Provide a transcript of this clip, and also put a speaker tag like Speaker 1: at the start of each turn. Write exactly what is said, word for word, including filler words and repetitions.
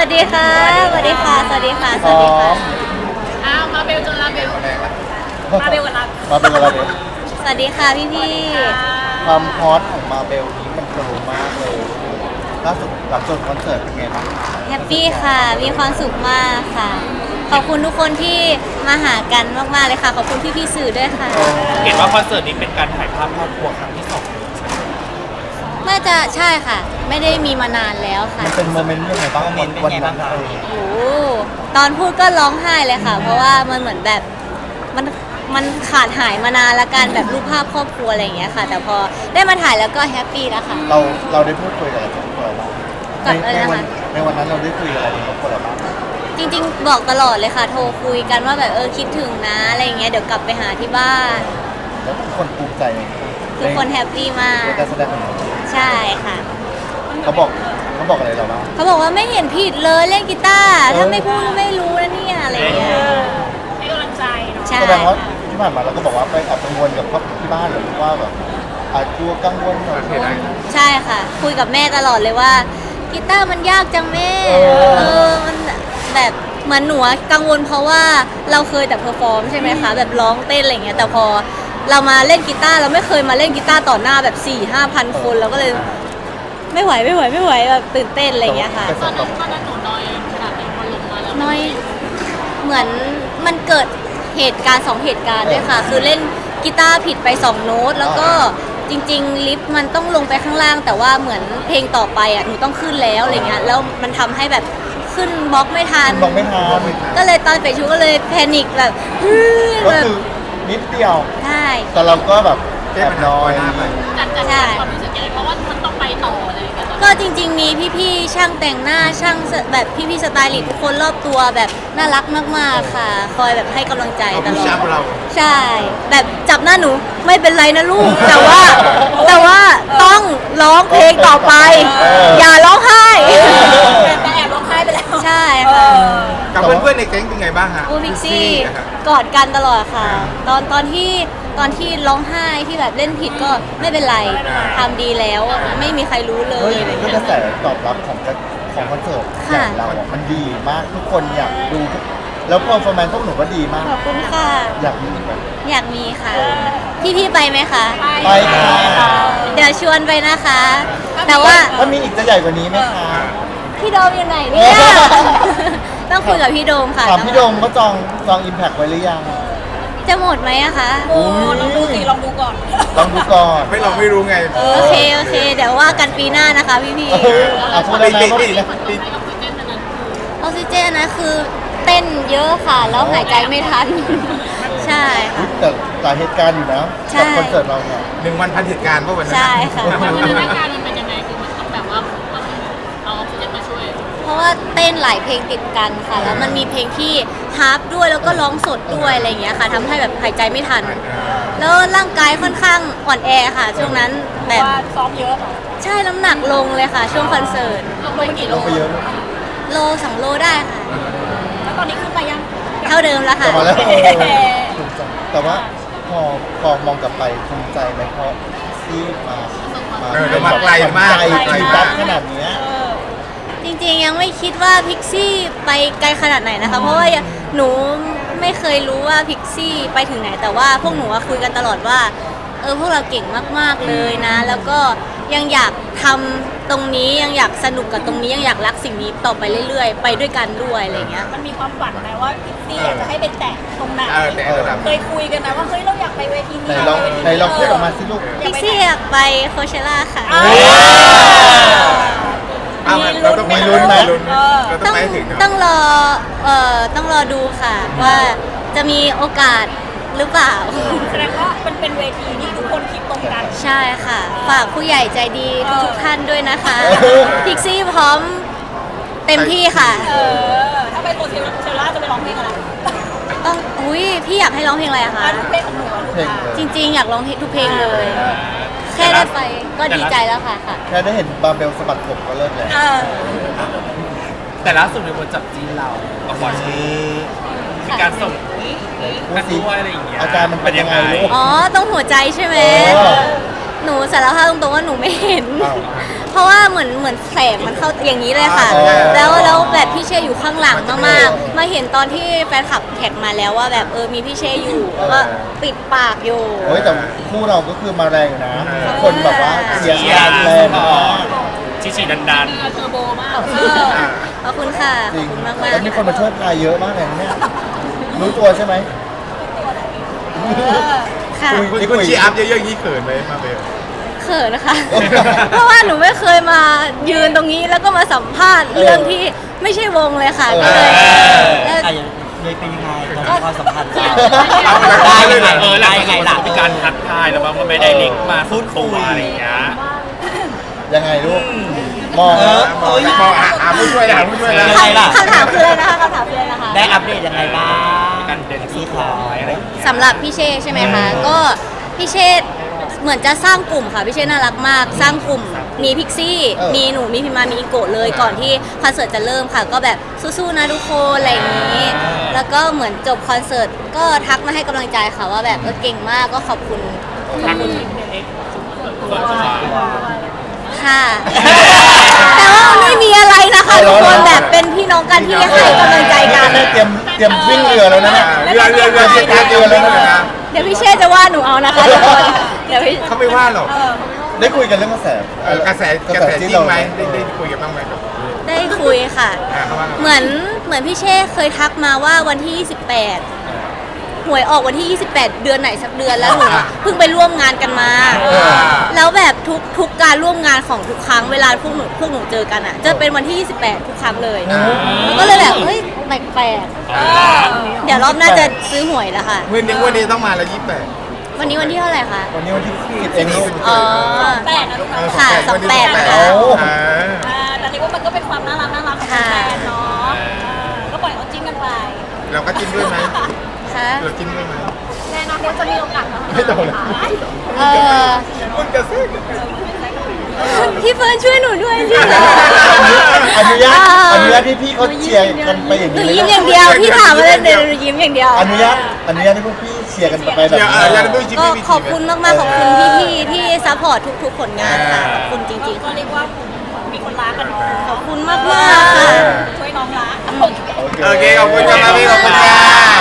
Speaker 1: ดีค่ะสวัสดีค่ะสวัสดีค่ะสวัสดีค่ะ
Speaker 2: อ้าวมาเบลจนลาเบลมาเบลกันละ
Speaker 3: มาเป็นอะไรเนี่ย
Speaker 1: สวัสดีค่ะพี่พี่
Speaker 3: ความฮอตของมาเบลนี้มันโตมากเลยล่าสุดหลังจบคอนเสิร์ตเป็นไงบ้าง
Speaker 1: แฮปปี้ค่ะ มีความสุขมากค่ะ ขอบคุณทุกคนที่มาหากันมากๆเลยค่ะ ขอบคุณพี่พี่ๆสื่อด้วยค่ะ
Speaker 4: เห็นว่าคอนเสิร์ตนี้เป็นการถ่ายภาพครอบครัวครั้งที่สอง
Speaker 1: น่าจะใช่ค่ะ ไม่ได้มีมานานแล้วค่ะ
Speaker 3: มันเป็นโมเมนต์ยังไงบ้างวันวันนั้นเออ
Speaker 1: โอ้โหตอนพูดก็ร้องไห้เลยค่ะ เพราะว่ามันเหมือนแบบมันมันขาดหายมานานละกันแบบรูปภาพครอบครัวอะไรอย่างเงี้ยค่ะ แต่พอได้มาถ่ายแล้วก็แฮปปี้แล้วค่ะ
Speaker 3: เราเราได้พูดคุยกับอะไรกับครอบครัวเราบ้าง
Speaker 1: กับ
Speaker 3: ใน
Speaker 1: อะไร
Speaker 3: ใน
Speaker 1: นะคะ
Speaker 3: วันในวันนั้นเราได้คุยกับอะไรกับครอบครัวเราบ้าง
Speaker 1: จริงๆบอกตลอดเลยค่ะ โทรคุยกันว่าแบบเออคิดถึงนะอะไรอย่างเงี้ยเดี๋ยวกลับไปหาที่บ้าน
Speaker 3: แล้วทุกคนภูมิใจใน
Speaker 1: ทุกคนแฮปปี้มาก
Speaker 3: ในการแสดงของเรา
Speaker 1: ใช่ค่ะ
Speaker 3: เขาบอกเขาบอกอะไรเราบ้าง
Speaker 1: เขาบอกว่าไม่เห็นผิดเลยเล่นกีตาร์ถ้าไม่พูดก็ไม่รู้นะเนี่ยอะไรอย่างเงี้ย
Speaker 2: ให้กำลังใจเนาะ
Speaker 1: ใช่
Speaker 3: แสดงว่าที่ผ่านมาเราก็บอกว่าไปแอบกังวลกับครอบที่บ้านหรือว่าแบบอาจกลัวกังวลกับเรื่อง
Speaker 1: ใช่ค่ะ คุยกับแม่ตลอดเลยว่ากีตาร์มันยากจังแม่
Speaker 3: เออ
Speaker 1: เออมันแบบเหมือนหนูอะกังวลเพราะว่าเราเคยแต่เพอร์ฟอร์มใช่ไหมคะแบบร้องเต้นอะไรอย่างเงี้ยแต่พอเรามาเล่นกีตาร์เราไม่เคยมาเล่นกีตาร์ต่อหน้าแบบสี่ห้าพันคนเราก็เลยไม่ไหวไม่ไหวไม่ไหวแบบตื่นเต้นอะไรอย่างเงี้ยค่ะ
Speaker 3: แต่
Speaker 2: ตอน
Speaker 3: ต
Speaker 2: นั้
Speaker 3: อน น
Speaker 2: ตอนนั้นหนูน้อยขนาดไหนพอลงมาแล้ว
Speaker 1: น้อยเหมือนมันเกิดเหตุการณ์สองเหตุการณ์ด้วยค่ะ คือเล่นกีตาร์ผิดไปสองโน้ตแล้วก็จริงๆลิฟต์มันต้องลงไปข้างล่าง แต่ว่าเหมือนเพลงต่อไปอ่ะหนูต้องขึ้นแล้วอะไรเงี้ยแล้วมันทำให้แบบขึ้นบล็อกไม่ทัน
Speaker 3: คุณบอกไม่ทัน
Speaker 1: ก็เลยตอนเปลี่ยนชุดก็เลยแพนิคแบบฮึ่ม
Speaker 3: ก็
Speaker 1: แบบ
Speaker 3: คือนิดเดียว
Speaker 1: ใช่
Speaker 3: แต่เราก็แบบแอบน้อย
Speaker 2: จัดจัด
Speaker 1: ใช่
Speaker 2: ความรู้สึกยังไงเพราะว่ามันต้องไปต่ออะไรอย่างเงี้ย
Speaker 1: ก็จริง ๆ มีพี่ๆช่างแต่งหน้าช่างแบบพี่ๆสไตลิสต์ทุกคนรอบตัวแบบน่ารักมากๆค่ะ คอยแบบให้กำลังใจตลอด ใช่ แบบจับหน้าหนูไม่เป็นไรนะลูก แต่ว่าแต่ว่าต้องร้องเพลงต่อไป อย่าร้องไห้
Speaker 2: แต่แอบร้องไห้ไปแล้ว
Speaker 1: ใช่ค่ะ
Speaker 5: กับเพื่อนๆในแก๊งเป็นไงบ้างฮะ
Speaker 1: อูพิกซี่
Speaker 5: นะครับ
Speaker 1: กอดกันตลอดค่ะ ตอนตอนที่ตอนที่ร้องไห้ที่แบบเล่นผิดก็ไม่เป็นไรทำดีแล้วไม่มีใครรู้เล
Speaker 3: เฮ้
Speaker 1: ย
Speaker 3: ย
Speaker 1: อะไร
Speaker 3: ก็
Speaker 1: เงี้
Speaker 3: กระ
Speaker 1: ย
Speaker 3: แสตอบรับของกระของคอนเสิร์ต
Speaker 1: ค่ะ
Speaker 3: อย่างเราอ่ะมันดีมากทุกคนอยากดูทุกแล้วเพอร์ฟอร์แมนซ์พวกหนูก็ดีมาก
Speaker 1: ขอบคุณค่ะ
Speaker 3: อยากมีอีกไหม
Speaker 1: อยากมีค่ะ พี่พี่ๆไปไหมคะ
Speaker 3: ไปค่ะ
Speaker 1: เดี๋ยวชวนไปนะคะ แต่ว่า
Speaker 3: ถ้ามีอีกจะใหญ่กว่านี้ไหมคะ
Speaker 1: พี่โดมอยู่ไหนเนี่ย ต้องคุยกับพี่โดมค่ะ
Speaker 3: ถามพี่โดมก็จองจองอิมแพคไว้หรือยัง
Speaker 1: จะหมดไหมอะคะ
Speaker 2: โอ้ลองดูสิลองดูก่อน
Speaker 3: ลองดูก่อน
Speaker 5: ไม่เราไม่รู้ไง
Speaker 1: โอเค โอเค เดี๋ยวว่ากันปีหน้านะคะพี่พี่
Speaker 3: เอออ่ะพูดแล้วนะว่าดีนะ
Speaker 2: ต้องให้ออกซิเจนอันนั้น
Speaker 1: ออกซิเจนนะคือเต้นเยอะค่ะ แล้วหายใจไม่ทัน ใช่ค่ะ
Speaker 3: แต่หลายเหตุการณ์อยู่นะ
Speaker 1: ใช่
Speaker 3: กับคอนเสิร์ตเราเนี่ย
Speaker 5: หนึ่งวันพันเหตุการณ์เพราะวันนั้น
Speaker 1: ใช่ค่ะ
Speaker 2: พัฒนาการมันเป็นยังไงคือมันต้องแบบว่าต้องเอาออกซิเจนมาช่วย
Speaker 1: เพราะว่าเต้นหลายเพลงติดกันค่ะ แล้วมันมีเพลงที่ฮาร์ปด้วยแล้วก็ร้องสดด้วยอะไรอย่างเงี้ยค่ะทำให้แบบหายใจไม่ทัน แล้วร่างกายค่อนข้างอ่อนแอค่ะ ช่วงนั้นแบบ
Speaker 2: ว่าซ้อมเยอะเหรอ
Speaker 1: ใช่น้ำหนักลงเลยค่ะ ช่วงคอนเสิร์ต
Speaker 2: ลงไปกี่
Speaker 3: ล
Speaker 2: โล
Speaker 3: งไปเยอะ
Speaker 1: โลสองโลได้ค่ะ
Speaker 2: แล้วตอนนี้ขึ้นไปยัง
Speaker 1: เท่าเดิมแล้ว
Speaker 3: ก
Speaker 1: ค่ะ
Speaker 3: ลับมาแล้วเออภูมิใจแต่ว่าพอพอมองกลับไปภูมิใจไหมเพราะที่มา
Speaker 5: เออเรามาไกลมาก
Speaker 3: ไกล
Speaker 5: ไกล
Speaker 3: ที
Speaker 5: มา
Speaker 3: ดั
Speaker 5: ก
Speaker 3: กขนาดเนี้ย
Speaker 1: จริงๆยังไม่คิดว่าพิกซี่ไปไกลขนาดไหนนะคะ เพราะว่าหนูไม่เคยรู้ว่าพิกซี่ไปถึงไหน แต่ว่าพวกหนูอะคุยกันตลอดว่าเออพวกเราเก่งมากๆเลยนะ แล้วก็ยังอยากทำตรงนี้ยังอยากสนุกกับตรงนี้ยังอยากรักสิ่งนี้ต่อไปเรื่อยๆ ไปด้วยกันด้วยอะไรเงี้ย
Speaker 2: มันมีความฝันไหมว่าพิกซี่อยากจะให้เป็นแตะตรงไหน
Speaker 5: เออแต่ระดับ
Speaker 2: เคยคุยกันนะว่าเฮ้ยเราอยากไปเวที
Speaker 3: ไหน
Speaker 2: นี้
Speaker 3: ลองไหนลองพูดออกมาสิลูก
Speaker 1: พิกซี่อยากไปโคเชล่าค่ะ
Speaker 2: อ้าว
Speaker 5: อ้าวเราต้อง
Speaker 3: มีลุ้นไหม
Speaker 5: เราต้
Speaker 1: ต้
Speaker 5: อ
Speaker 1: อง ง
Speaker 5: ไปให้ถึงเนอะ
Speaker 1: ต้องรอเอ่อต้องรอดูค่ะ ว่าจะมีโอกาสหรือเปล่า
Speaker 2: แสดงว่ามันเป็นเวทีที่ทุกคนคิดตรงกัน
Speaker 1: ใช่ค่ะ ฝากผู้ใหญ่ใจดีทุกๆท่านด้วยนะคะ
Speaker 3: เออ
Speaker 1: พิกซี่พร้อมเต็มที่ค่ะ
Speaker 2: เออ ถ้าไปโคเชล่าจะไปร้องเพลงอะไร
Speaker 1: ต้องอุ้ยพี่อยากให้ร้องเพลงอะไรอะคะ
Speaker 2: เพลงของหนูอะลูก
Speaker 3: เพลง
Speaker 2: ค้า
Speaker 3: เลย
Speaker 1: จริงๆ อยากร้องเพลงทุกเพลงเลย แค่ได้ไปก็ดีใจแล้วค่ะค่ะ
Speaker 3: แค่ได้เห็นบาร์เบลสะบัดผมก็เลิศแล้ว
Speaker 2: เออ
Speaker 4: แต่ล่าสุดมีคนจับจีนเราเอาขอชี้มีการส่งกันด้วยอะไรอย่างเงี้ย
Speaker 3: อาการมันเป็นยังไงลูก
Speaker 1: อ๋อตรงหัวใจใช่ไหม
Speaker 3: เออ
Speaker 1: หนูสารภาพตรงๆว่าหนูไม่เห็น
Speaker 3: อ้าว
Speaker 1: เพราะว่าเหมือนเหมือนแสงมันเข้าอย่างนี้เลยค่ะ
Speaker 3: อ่า
Speaker 1: แล้วแล้วแบบพี่เช่อยู่ข้างหลังมากๆมาเห็นตอนที่แฟนคลับแท็กมาแล้วว่าแบบเออมีพี่เช่อยู่แล้วก็ปิดปากอยู่
Speaker 3: โอ้ยแต่คู่เราก็คือมาแรงอยู่นะ คนแบบว่าเชียร์
Speaker 4: เชียร์
Speaker 3: แรงมาก
Speaker 4: ชิชิดันดัน
Speaker 2: เทอร์โบมาก
Speaker 1: ขอบคุณค่ะ
Speaker 3: จ
Speaker 1: ข
Speaker 3: ริ
Speaker 1: อบ
Speaker 3: ง
Speaker 1: คุณมากมาก
Speaker 3: แล้วมีคนมาช่วยพายเยอะมากเลยนะเนี่ยรู้ตัวใช่ไหม
Speaker 1: ค่ะ
Speaker 3: คุย
Speaker 5: คุณคุณชีอัพเยอะๆอย่างนี้เขินไหมมาเบล
Speaker 1: เขินนะคะ เพราะว่าหนูไม่เคยมายืนตรงนี้แล้วก็มาสัมภาษณ์เรื่องที่ไม่ใช่วงเลยค่ะก็เลยแล้ว
Speaker 6: อ่ะอย่างเลยเป็นยังไงตอนนี้ความสัมพันธ์เรา
Speaker 5: เอาไปเลยนะ
Speaker 4: เออแล้วไงล่ะมีการทักทายแล้วมันไม่ได้ลิงก์มาพูดคุยอะไรอย่างเงี้ย
Speaker 3: ยังไงลูกมอง
Speaker 6: เออ
Speaker 5: มองมองหาผู้ช่วยนะผู้ช่วยนะ
Speaker 6: ยังไงล่ะ
Speaker 1: คำถามคืออะไรนะคะคำถามคืออะไรนะคะ
Speaker 6: ได้อัปเดตยังไงบ้าง
Speaker 4: การเดิน
Speaker 6: สีขาว
Speaker 4: อะไรอย่างเงี้ย
Speaker 1: สำหรับพี่เช่ใช่ไหมคะ ก็พี่เช่เหมือนจะสร้างกลุ่มค่ะพี่เช่น่ารักมาก สร้างกลุ่มมีพิกซี่ มีหนูมีพิมมามีอิโกะเลยก่อนที่คอนเสิร์ตจะเริ่มค่ะ ก็แบบสู้ๆนะทุกคนอะไรอย่างนี้ แล้วก็เหมือนจบคอนเสิร์ตก็ทักมาให้กำลังใจค่ะว่าแบบเออเก่งมากก็ขอบคุณขอบคุณ
Speaker 4: ส่วนสุดท้าย
Speaker 1: ค่ะ แต่ว่ามันไม่มีอะไรนะคะทุกคนแบบเป็นพี่น้องกันที่ให้กำลังใจกัน
Speaker 3: เตรียมเตรียมวิ่งเรือแล้วนะเนี่ย
Speaker 5: เรือเรือเรือเรือเรือแล้วนะ
Speaker 1: เดี๋ยวพี่เช่จะว่าหนูเอานะคะทุกคนเดี๋ยวพี่
Speaker 5: เขาไม่ว่าหรอก
Speaker 3: ได้คุยกันเรื่องกระแส
Speaker 5: เออกระแสกระแสจริงไหมได้ได้คุยกันบ้างไหมกับ
Speaker 1: ได้คุยค่ะ
Speaker 5: อ่าเขาว่าไง
Speaker 1: เหมือนเหมือนพี่เช่เคยทักมาว่าวันที่ยี่สิบแปดหวยออกวันที่ยี่สิบแปดเดือนไหนสักเดือนแล้วหนูอะเพิ่งไปร่วมงานกันมา แล้วแบบทุกทุกการร่วมงานของทุกครั้งเวลาพวกหนูพวกหนูเจอกันอ่ะจะเป็นวันที่ยี่สิบแปดทุกครั้งเลยแล้วก็เลยแบบเฮ้ยแปลกๆเดี๋ยวรอบหน้าจะซื้อหวยแล้วค่ะ
Speaker 5: วันนี้วันนี้ต้องมาแล้วยี่สิบแปด
Speaker 1: วันนี้วันที่เท่าไหร่คะ
Speaker 3: วันนี้วันที่สิบเองลูก
Speaker 1: อ๋อ
Speaker 2: แปดนะลูกนะ
Speaker 1: ค่ะสองแปดนะคะ
Speaker 3: โอ้
Speaker 5: อ่า
Speaker 2: อ่าแต่เรียกว่ามันก็เป็นความน่ารักน่ารักของแฟนเนาะอ่าก็ปล่อยเขาจิ้นกันไป
Speaker 5: เราก็จิ้มด้วยไหม
Speaker 1: ค่ะ
Speaker 5: เราจิ้มด้วยไหม
Speaker 2: แน่นอนว่าจะมีโอกาสแล้ว
Speaker 3: ไม่โดนเลย
Speaker 1: เออ
Speaker 5: คุณกระซิบ
Speaker 1: พี่เฟิร์นช่วยหนูด้วยสิ
Speaker 3: อนุญาตอนุญาตที่พี่เขาเชียร์กันไปอย่าง
Speaker 1: หนู
Speaker 3: นี้
Speaker 1: ยิ้มอย่างเดียวพี่ถามอะไรเดี๋ยวหนูยิ้มอย่างเดียว
Speaker 3: อนุญาตอนุญาตให้พวกพี่เชียร์กันไปแบบ
Speaker 5: เดี๋ยว
Speaker 3: นี้
Speaker 5: เออยันด้วยจิ้ม
Speaker 1: ก็
Speaker 5: พี่
Speaker 1: ขอบคุณมากๆขอบคุณพี่ๆที่ซัพพอร์ตทุกๆผลงานค่ะขอบคุณจริงๆ
Speaker 2: ก็
Speaker 1: ค่ะ
Speaker 2: เรียกว่ามีคนรักกันเนาะ
Speaker 1: ขอบคุณมากๆค่ะ
Speaker 2: ช่วยน้องรัก
Speaker 5: โอเคขอบคุณครับพี่ขอบคุณค่ะ